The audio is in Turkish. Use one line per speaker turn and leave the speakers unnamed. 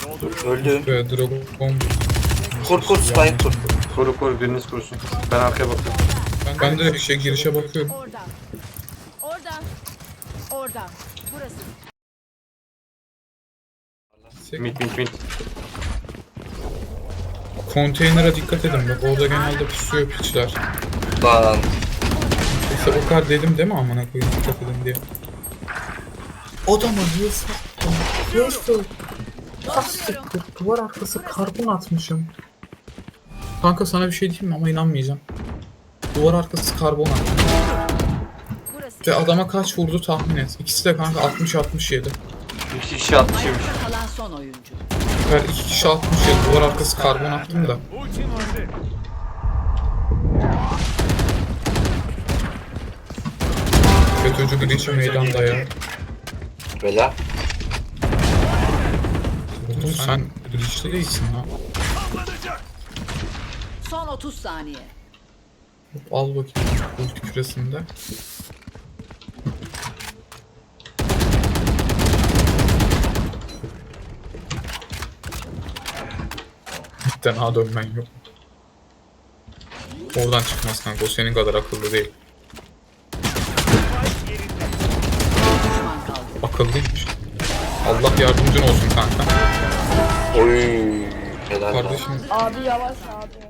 Öldüm.
Ve Dragon.
Kur spike kur.
Koru biriniz korusun. Ben arkaya bakıyorum.
Ben de girişe bakıyorum.
Orada. Orada. Orada. Burası.
Mid.
Konteynere dikkat edin bak orada genelde pusuyor piçler.
Lan.
İşte o kadar dedim değil mi amına koyayım dikkat edin diye.
Adama niye sattın? Neyse. Hastiktir. Duvar arkası karbon atmışım.
Kanka sana bir şey diyeyim mi ama inanmayacağım. Duvar arkası karbon attı.
Burası.
Ve adama kaç vurdu tahmin et. İkisi de kanka 60-67.
2 kişi atmışım.
Ayakta kalan son oyuncu.
Her iki kişi 67 duvar arkası karbon attım da. FETÖ'cü Grinch'e meydanda ya.
Bela.
Oğlum sen Grinch'li değilsin ha.
Son 30 saniye.
Al bakayım ulti küresinde. Bitten ha dönmen yok. Oradan çıkmaz kanka o senin kadar akıllı değil.
Düşman kaldı.
Akıllıymış. Allah yardımcın olsun kanka.
Oy. Helal lan.
Kardeşim
Abi yavaş abi.